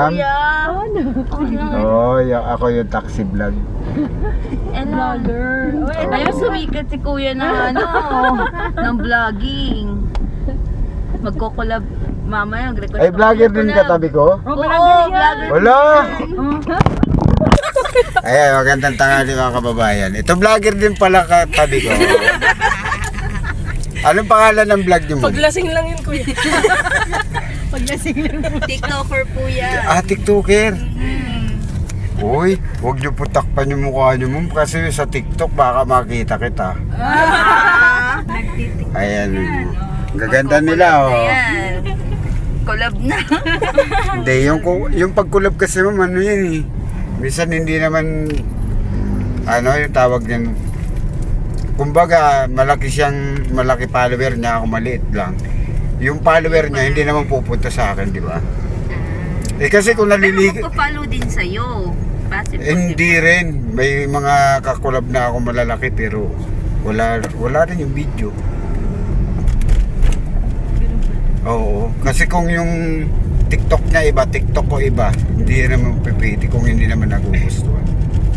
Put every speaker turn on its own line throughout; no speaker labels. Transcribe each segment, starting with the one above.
ma'am?
Kuya.
Ako yung taxi vlog.
Vlogger. Ayun, sumikat si kuya na ng vlogging. Magko-collab mamaya.
Ay, vlogger din katabi ko?
Oo, vlogger.
Wala! Ayan, magandang tanghali mga kababayan. Ito vlogger din pala katabi ko. Anong pangalan ng vlog niyo mo?
Paglasing lang yun, kuya.
Paglasing lang po. TikToker po yan.
TikToker. Uy, huwag niyo po takpan yung mukha niyo mo kasi sa TikTok baka makita kita. Ayan. Gaganda nila
Ayan. Collab na.
Hindi, yung pag-collab kasi ma'am, ano yan eh. Minsan hindi naman, yung tawag niyan. Kumbaga, malaki follower niya, ako maliit lang. Yung follower niya, hindi naman pupunta sa akin, di ba? Kasi kung naliligo...
Pero magpa-follow din sa'yo.
Hindi rin. May mga kakulab na ako malalaki pero wala rin yung video. Oo. Kasi kung yung TikTok niya iba, TikTok ko iba, hindi naman pipiti kung hindi naman nagugustuhan.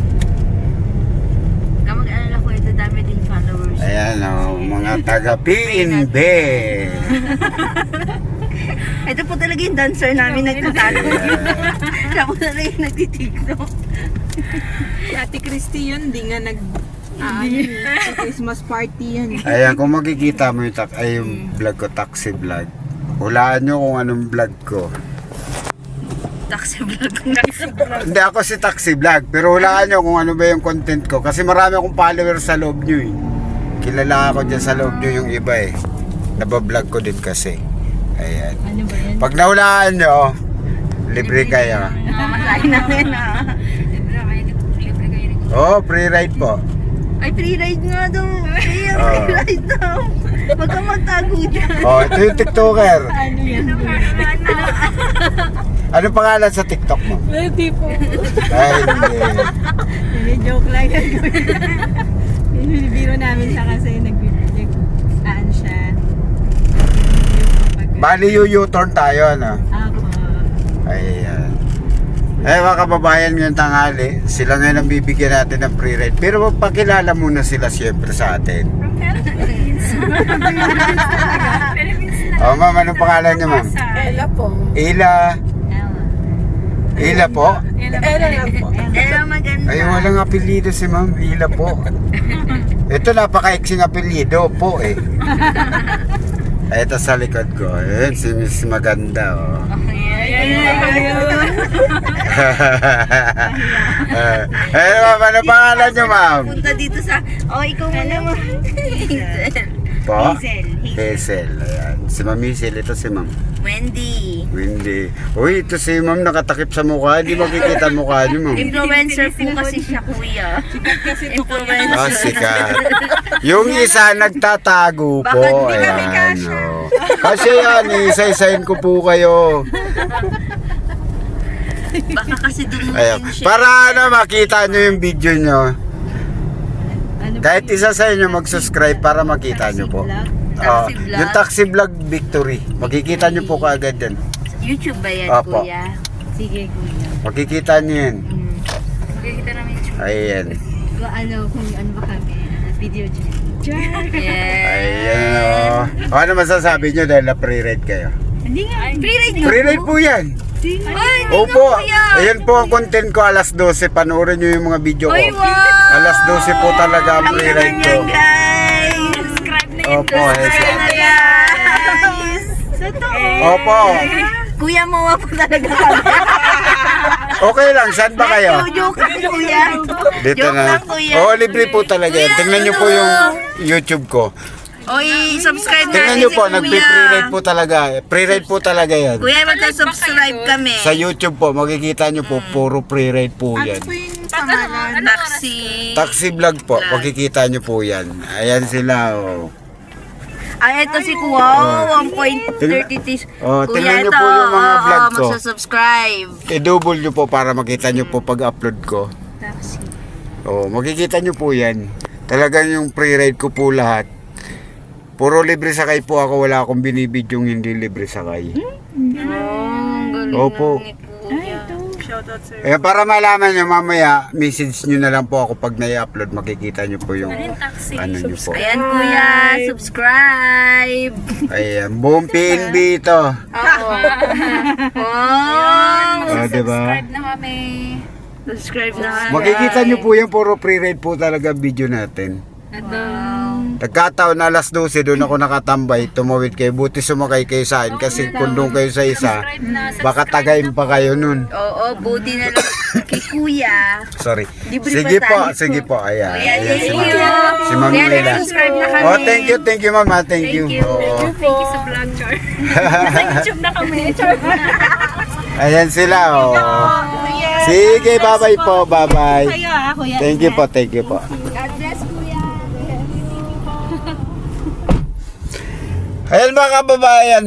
Kamag-alala ko ito, dami din followers.
Ayan mga taga PNB.
Ito po talaga yung dancer namin nagtatalo. Siya po talaga yung nagtitiktok.
Si Ate Christy yun, di nga Christmas party yan.
Ayan, kung makikita mo yung vlog ko, taxi vlog. Hulaan nyo kung anong vlog ko.
Taxi vlog.
Hindi ako si taxi vlog, pero hulaan nyo kung ano ba yung content ko. Kasi marami akong followers sa loob nyo eh. Kilala ako dyan sa loob nyo yung iba eh. Nabablog ko din kasi. Ayan.
Ano ba yan?
Pag nahulaan nyo, libre kayo.
Masahin namin
Oh, free ride po.
Ay, free ride nga daw. Free ride daw. Huwag kang magtago dyan.
Oh, ito yung TikToker.
Ano yan?
Ano pangalan sa TikTok mo?
Hindi po.
Ay, hindi.
Hindi, joke lang yan. Biro namin siya kasi nag-saan siya.
Bali yung U-turn tayo, ano?
Ako.
Ayan. Mga kababayan ngayong tanghali, sila ngayon ang bibigyan natin ng free ride. Pero magpakilala muna sila siyempre sa atin. Ma'am, anong pangalan niyo, ma'am?
Ella po.
Ila po?
Ella lang po.
Ella maganda.
Ay, walang apelyido si ma'am. Ila po. Ito, napaka-iksing apelyido po eh. Ito sa likod ko. Ayan, si Miss Maganda. Oh. Ma'am, ano pangalan niyo, ma'am?
Punta dito sa... ikaw muna mo.
Po?
Hazel.
Hazel. Ayan. Si Ma'am Hazel, ito si Ma'am
Wendy.
Uy, ito si Ma'am nakatakip sa mukha. Hindi makikita mukha niyo, Ma'am.
Influencer po kasi siya, kuya. Influencer.
Sikat. Yung isa nagtatago po.
Bakit di kami
Ayan,
kasya?
Kasi yan, isa-isahin ko po kayo.
Baka kasi dumutin
Ayan.
siya.
Para makita nyo yung video nyo. Kahit isa sa inyo mag-subscribe para makita nyo po.
Taxi vlog.
Yung taxi vlog victory. Makikita nyo po kaagad yan.
YouTube ba yan,
Opo.
kuya?
Sige, kuya.
Makikita nyo yan.
Makikita namin YouTube.
Ayan.
Kung ano ba kami, video dyan.
Yeah.
Ayan o. Ano masasabi nyo dahil na-pre-ride kayo?
Hindi nga.
Free ride nga
Pre-ride po yan.
Ay, hindi
Opo.
nga, kuya.
Ayan po ang content ko alas 12. Panoorin nyo yung mga video ko.
Ay, wow.
Alas 12 po talaga ang pre-ride ko.
Yan, guys. Subscribe na yun.
Opo,
Subscribe na guys.
Opo.
Kuya, mawa po talaga kami.
Okay lang. Saan ba kayo?
Joke lang, kuya.
Dito
Joke
na.
lang, kuya.
Oo, libre po talaga yan. Tingnan nyo po yung YouTube ko.
Oy, subscribe
Tingnan
natin
nyo
si
po,
kuya.
nagpi-pre-ride po talaga. Pre-ride po talaga yan.
Kuya, magka-subscribe kami.
Sa YouTube po, makikita nyo po, puro pre-ride po yan.
yung pangalan?
Taxi.
Taxi vlog po, makikita nyo po yan. Ayan sila, oh.
Ay, ito si Kuya. 1.33.
Tingnan nyo po yung mga vlog ko.
Magsasubscribe.
I-double nyo po para makita nyo po pag-upload ko.
Taxi.
Makikita nyo po yan. Talagang yung pre-ride ko po lahat. Puro libre sakay po ako, wala akong binibidyong hindi libre sakay.
Galing
Opo.
naman ni Kuya.
shoutout sir.
Eh, para malaman nyo mamaya, message nyo na lang po ako pag nai-upload. Makikita nyo po yung ano nyo po.
Ayan kuya, subscribe.
Ayan, buong PNB ito.
Oo. Wow.
Diba?
na kami.
Subscribe na kami.
Makikita nyo po yan, puro pre-ride po talaga video natin. Nagkataon na alas 12, doon ako nakatambay, tumawid kayo. Buti sumakay kayo sa akin kasi kung doon kayo sa isa, baka tagayin pa kayo nun.
Oo, buti na lang kay kuya.
Sorry.
Libre
Sige
pa
po,
tayo.
sige po. Ayan.
Ayan,
Ayan si
thank
Ma'am.
you.
Si Ma'am
Ayan,
Mila.
subscribe na kami.
Oh, thank you mama, thank you. Oo.
Thank you sa vlog, Char. Sa YouTube na kami, Char.
Ayan sila, oh. Sige, bye-bye po, bye-bye.
Kayo kuya.
Thank you po, thank you po.
God bless, Kuya.
Ayan mga kababayan,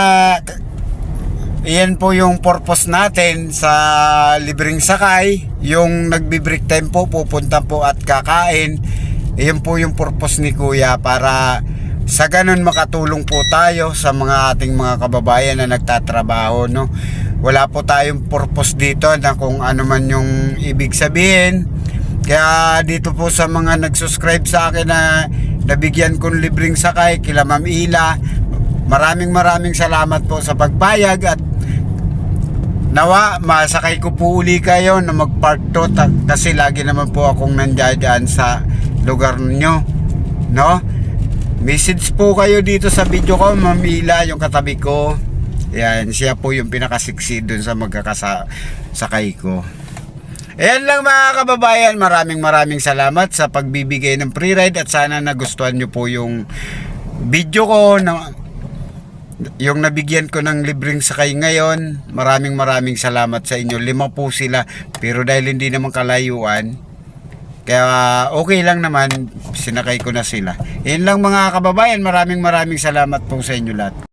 iyan po yung purpose natin sa libreng sakay. Yung nagbi-break time po, pupunta po at kakain. Iyan po yung purpose ni Kuya para sa ganun makatulong po tayo sa mga ating mga kababayan na nagtatrabaho, no? Wala po tayong purpose dito na kung ano man yung ibig sabihin. Kaya dito po sa mga nag-subscribe sa akin na nabigyan kong libreng sakay kila Ma'am Ila, maraming salamat po sa pagpayag at nawa masakay ko po uli kayo na mag-part 2 kasi lagi naman po akong nandiyan sa lugar nyo, no? Message po kayo dito sa video ko, Ma'am Ila, yung katabi ko. Yan, siya po yung pinakasiksi dun sa magkakasakay ko. Ayan lang mga kababayan, maraming salamat sa pagbibigay ng free ride at sana nagustuhan nyo po yung video ko na yung nabigyan ko ng libreng sakay ngayon. Maraming salamat sa inyo. 5 po sila pero dahil hindi naman kalayuan, kaya okay lang naman, sinakay ko na sila. Ayan lang mga kababayan, maraming salamat po sa inyo lahat.